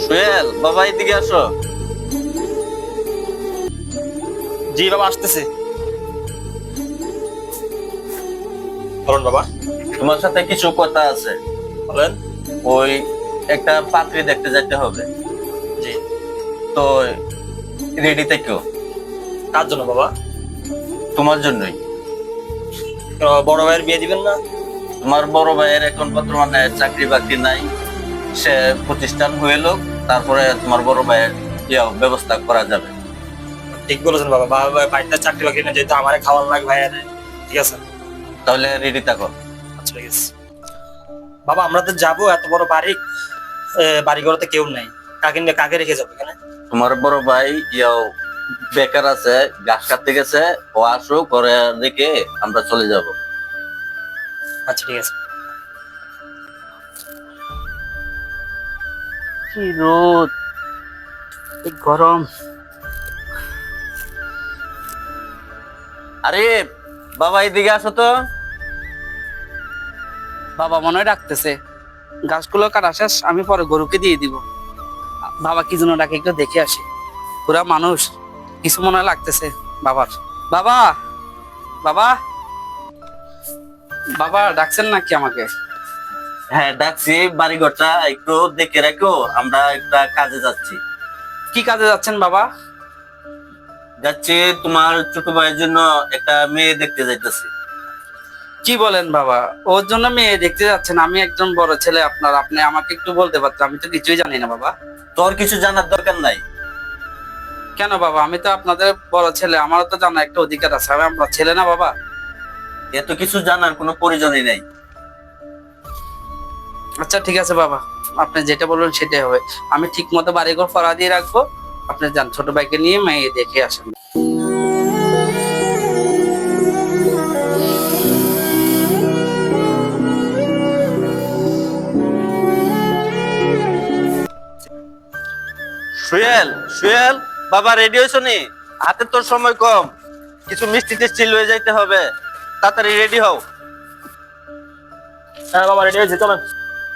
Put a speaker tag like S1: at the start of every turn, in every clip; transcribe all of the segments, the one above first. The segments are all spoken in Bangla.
S1: সোহেল বাবা এদিকে আসো।
S2: জি বাবা, আসতেছে। বলুন বাবা।
S1: তোমার সাথে কিছু কথা আছে।
S2: বলেন।
S1: ওই একটা পাত্রী দেখতে যেতে হবে,
S2: জি।
S1: তো রেডি থেকো।
S2: কার জন্য বাবা?
S1: তোমার জন্যই।
S2: বড় ভাইয়ের বিয়ে দিবেন না?
S1: তোমার বড় ভাইয়ের এখন বর্তমানে চাকরি বাকরি নাই, সে প্রতিষ্ঠান হয়ে লোক, তারপরে তোমার বড় ভাইয়ের ব্যবস্থা করা যাবে।
S2: ঠিক বলেছেন বাবা। বাবা বাড়িতে চাকরি বাকরি না, যেহেতু আমারে খাওয়ার লাগে ভাইয়ের। ঠিক আছে।
S1: তাহলে রেডি থাকো।
S2: আচ্ছা ঠিক আছে বাবা, আমরা তো যাবো, এত বড় বাড়ি, বাড়ি ঘরতে কেউ নাই। কাকে রেখে যাবো এখানে?
S1: তোমার বড় ভাই বেকার আছে, ঘাস কাটতে গেছে, ও আসো করে রেখে আমরা চলে যাব।
S2: আচ্ছা ঠিক আছে।
S3: কি রোদ, এই গরম।
S1: আরে বাবা এদিকে আসো তো।
S3: বাবা মনে হয় ডাকতেছে। গাছগুলো কাটা শেষ, আমি পরে গরুকে দিয়ে দিব। বাবা কি জন্য ডাকে একটু দেখে আসি। পুরা মানুষ, কিছু মনে হয় লাগতেছে বাবার। বাবা, বাবা, বাবা ডাকছেন নাকি আমাকে?
S1: হ্যাঁ ডাকছি, বাড়িঘরটা একটু দেখে রাখো, আমরা একটা কাজে যাচ্ছি।
S3: কি কাজে যাচ্ছেন বাবা?
S1: যাচ্ছি তোমার ছোট ভাইয়ের জন্য একটা মেয়ে দেখতে যাইতেছি।
S3: কি বলেন বাবা, ওর জন্য মেয়ে দেখতে যাচ্ছেন? আমি একজন বড় ছেলে আপনার, আপনি আমাকে একটু বলতে পারতেন, আমি তো কিছুই জানি না বাবা।
S1: তোর কিছু জানার দরকার নাই।
S3: কেন বাবা, আমি তো আপনাদের বড় ছেলে, আমারও তো জানার একটা অধিকার আছে, আমি আপনার ছেলে না বাবা?
S1: এত কিছু জানার কোনো প্রয়োজনই নাই।
S3: আচ্ছা ঠিক আছে বাবা, আপনি যেটা বলবেন সেটাই হবে। আমি ঠিক মতো বাড়িঘর ফড়া দিয়ে রাখবো, আপনি যান ছোট ভাইকে নিয়ে মেয়ে দেখে আসেন।
S1: সুয়েল, সুয়েল বাবা রেডি হয়েছ নি? হাতে তোর সময় কম, কিছু মিষ্টি টিষ্টি লয়ে যাইতে হবে, তাড়াতাড়ি রেডি হও।
S2: হ্যাঁ বাবা, রেডি হয়েছে, চলেন।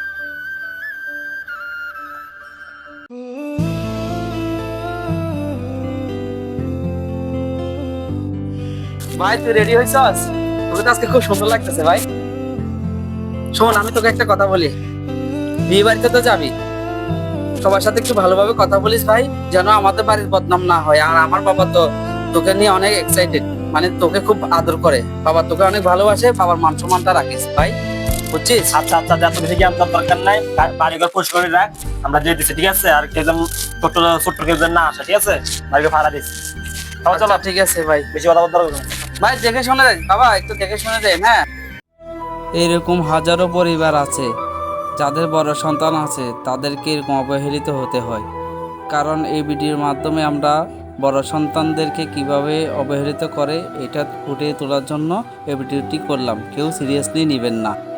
S3: ভাই তুই রেডি হয়েছস? তোকে তো আজকে খুব সুন্দর লাগতেছে ভাই। শোন, আমি তোকে একটা কথা বলি, বিয়ে বাড়িতে তো যাবি, সবার সাথে একটু ভালোভাবে কথা বলিস ভাই, যেন আমাদের বাড়ির বদনাম না হয়। আর আমার বাবা তো তোকে নিয়ে অনেক এক্সাইটেড, মানে তোকে খুব আদর করে, বাবা তোকে অনেক ভালোবাসে, বাবার মান সম্মানটা রাখিস ভাই, বুঝছিস?
S2: আচ্ছা আচ্ছা, এত বেশি জ্ঞান তোর দরকার নাই। বাড়িঘর পরিষ্কার করে রাখ, আমরা দিয়ে দিচ্ছি। ঠিক আছে, আর কেউ যেন ছোট্ট ছোট্ট কেউ যেন না আসে। ঠিক আছে, বাড়িঘর ভাড়া দিচ্ছি। চলো চলো।
S3: আচ্ছা, ঠিক আছে ভাই।
S2: বেশি কথা বলতে হবে না।
S3: ভাই দেখে শুনে দেন বাবা, একটু দেখে শুনে দেন। হ্যাঁ, এরকম হাজারো পরিবার আছে যাদের বড় সন্তান আছে, তাদেরকে এরকম অবহেলিত হতে হয়। কারণ এই ভিডিওর মাধ্যমে আমরা বড় সন্তানদেরকে কিভাবে অবহেলিত করে এটা ফুটিয়ে তোলার জন্য এই ভিডিওটি করলাম, কেউ সিরিয়াসলি নেবেন না।